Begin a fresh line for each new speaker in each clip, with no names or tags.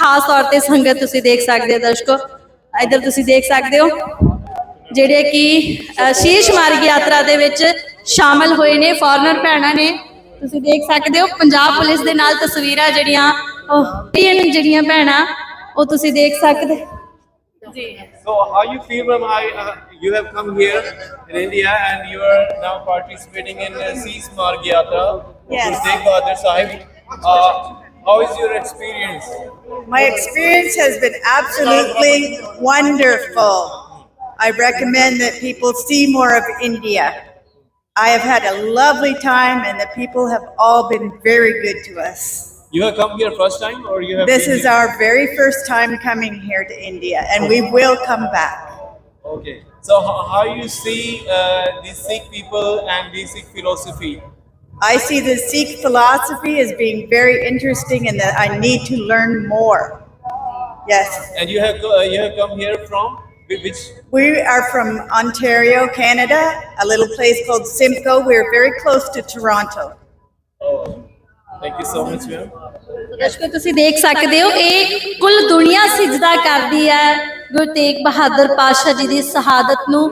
ਖਾਸ ਤੌਰ ਤੇ ਸੰਗਤ ਤੁਸੀਂ ਦੇਖ ਸਕਦੇ ਹੋ ਦਰਸ਼ਕੋ, ਇੱਧਰ ਤੁਸੀਂ ਦੇਖ ਸਕਦੇ ਹੋ ਜਿਹੜੇ ਕਿ ਸ਼ੀਸ਼ ਮਾਰਗ ਯਾਤਰਾ ਦੇ ਵਿੱਚ ਸ਼ਾਮਲ ਹੋਏ ਨੇ ਫੋਰਨਰ ਭੈਣਾਂ ਨੇ। ਤੁਸੀਂ ਦੇਖ ਸਕਦੇ ਹੋ ਪੰਜਾਬ ਪੁਲਿਸ ਦੇ ਨਾਲ ਤਸਵੀਰਾਂ ਜਿਹੜੀਆਂ ਜਿਹੜੀਆਂ ਭੈਣਾਂ ਉਹ ਤੁਸੀਂ ਦੇਖ ਸਕਦੇ ਜੀ।
So how you feel when you have come here in India and you are now participating in Sheesh Marg Yatra
Yes.
to Tegh Bahadur Sahib? How is your experience?
My experience has been absolutely wonderful. I recommend that people see more of India. I have had a lovely time and the people have all been very good to us.
You have come here first time or you have
This
been
is
here?
our very first time coming here to India and we will come back.
Okay. So how you see the Sikh people and the Sikh philosophy?
I see the Sikh philosophy as being very interesting and that I need to learn more. Yes.
And you have come here from which?
We are from Ontario, Canada, a little place called Simcoe. We're very close to Toronto.
Oh, thank you so much, ma'am.
ਦਰਸ਼ਕੋ ਤੁਸੀਂ ਦੇਖ ਸਕਦੇ ਹੋ ਇਹ ਕੁੱਲ ਦੁਨੀਆ ਸਿਜਦਾ ਕਰਦੀ ਹੈ ਗੁਰੂ ਤੇਗ ਬਹਾਦਰ ਪਾਤਸ਼ਾਹ ਜੀ ਦੀ ਸ਼ਹਾਦਤ ਨੂੰ।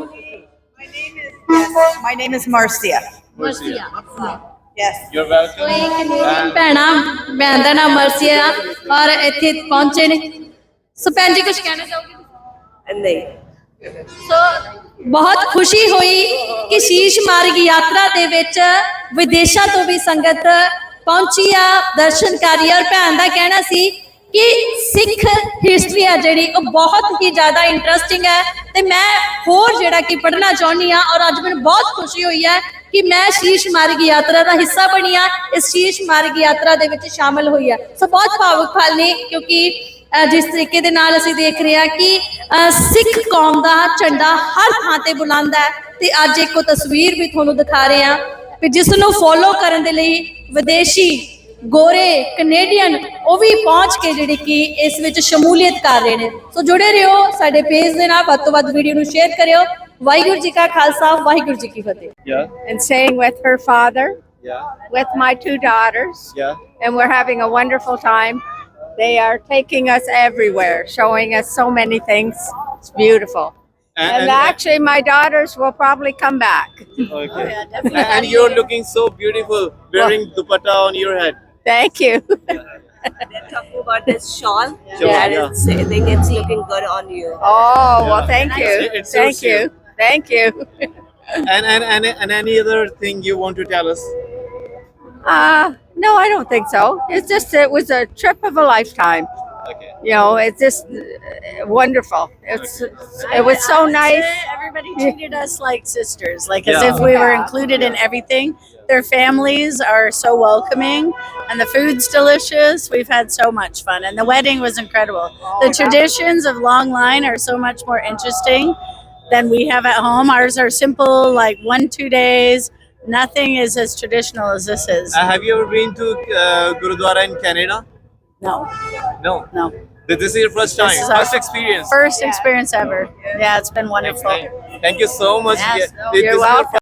My name is Marcia.
Marcia
Yes.
You're welcome.
ਇਹ ਕੈਨੇਡੀਅਨ ਭੈਣਾਂ, ਭੈਣ ਦਾ ਨਾਮ ਮਰਸੀਆ ਔਰ ਇੱਥੇ ਪਹੁੰਚੇ ਨੇ। ਸੋ ਭੈਣ ਜੀ ਕੁਝ ਕਹਿਣਾ ਚਾਹੋਗੇ?
ਨਹੀਂ।
ਸੋ ਬਹੁਤ ਖੁਸ਼ੀ ਹੋਈ ਕਿ ਸ਼ੀਸ਼ ਮਾਰਗ ਯਾਤਰਾ ਦੇ ਵਿੱਚ ਵਿਦੇਸ਼ਾਂ ਤੋਂ ਵੀ ਸੰਗਤ ਪਹੁੰਚੀ ਆ ਦਰਸ਼ਨਕਾਰੀ। ਔਰ ਭੈਣ ਦਾ ਕਹਿਣਾ ਸੀ ਕਿ ਸਿੱਖ ਹਿਸਟਰੀ ਆ ਜਿਹੜੀ ਉਹ ਬਹੁਤ ਹੀ ਜ਼ਿਆਦਾ ਇੰਟਰਸਟਿੰਗ ਹੈ ਤੇ ਮੈਂ ਹੋਰ ਜਿਹੜਾ ਕਿ ਪੜ੍ਹਨਾ ਚਾਹੁੰਦੀ ਹਾਂ। ਔਰ ਅੱਜ ਮੈਨੂੰ ਬਹੁਤ ਖੁਸ਼ੀ ਹੋਈ ਹੈ ਕਿ ਮੈਂ ਸ਼ੀਸ਼ ਮਾਰਗ ਯਾਤਰਾ ਦਾ ਹਿੱਸਾ ਬਣੀ ਆ, ਇਸ ਸ਼ੀਸ਼ ਮਾਰਗ ਯਾਤਰਾ ਦੇ ਵਿੱਚ ਸ਼ਾਮਲ ਹੋਈ ਆ। ਸੋ ਬਹੁਤ ਭਾਵੁਕ ਪਲ ਨੇ ਕਿਉਂਕਿ ਜਿਸ ਤਰੀਕੇ ਦੇ ਨਾਲ ਅਸੀਂ ਦੇਖ ਰਹੇ ਹਾਂ ਕਿ ਸਿੱਖ ਕੌਮ ਦਾ ਝੰਡਾ ਹਰ ਥਾਂ ਤੇ ਬੁਲੰਦ ਹੈ ਤੇ ਅੱਜ ਇੱਕ ਉਹ ਤਸਵੀਰ ਵੀ ਤੁਹਾਨੂੰ ਦਿਖਾ ਰਹੇ ਹਾਂ ਕਿ ਜਿਸ ਨੂੰ ਫੋਲੋ ਕਰਨ ਦੇ ਲਈ ਵਿਦੇਸ਼ੀ ਗੋਰੇ ਕੈਨੇਡੀਅਨ ਉਹ ਵੀ ਪਹੁੰਚ ਕੇ ਜਿਹੜੇ ਕਿ ਇਸ ਵਿੱਚ ਸ਼ਮੂਲੀਅਤ ਕਰ ਰਹੇ ਨੇ। ਸੋ ਜੁੜੇ ਰਹੋ ਸਾਡੇ ਪੇਜ ਦੇ ਨਾਲ, ਵੱਧ ਤੋਂ ਵੱਧ ਵੀਡੀਓ ਨੂੰ ਸ਼ੇਅਰ ਕਰਿਓ। ਵਾਹਿਗੁਰੂ ਜੀ ਕਾ ਖਾਲਸਾ, ਵਾਹਿਗੁਰੂ ਜੀ ਕੀ ਫਤਿਹ।
Yeah.
And staying with her father,
Yeah.
with my 2 daughters,
Yeah.
and we're having a wonderful time. They are taking us everywhere, showing us so many things. It's beautiful. And actually, my daughters will probably come back.
Okay. And you're looking so beautiful wearing dupatta on your head.
Thank you.
They're talking about this shawl.
Shawl,
and
yeah.
I think it's looking good on you.
Oh, well, thank you.
It suits
Thank you. Thank you.
And any other thing you want to tell us?
No, I don't think so. It's just, it was a trip of a lifetime.
Okay.
You know, it's just wonderful. It was so nice.
Everybody treated us like sisters, like as
Yeah.
if we were included in everything. Their families are so welcoming, and the food's delicious. We've had so much fun, and the wedding was incredible. The traditions of long line are so much more interesting than we have at home. Ours are simple, like 1-2 days. Nothing is as traditional as this is.
Have you ever been to Gurudwara in Canada?
No,
No.
no.
This is your first time,
This is our
first experience.
First experience ever. Yeah, it's been wonderful.
Thank you so much.
Yes.
This is
You're
your
welcome.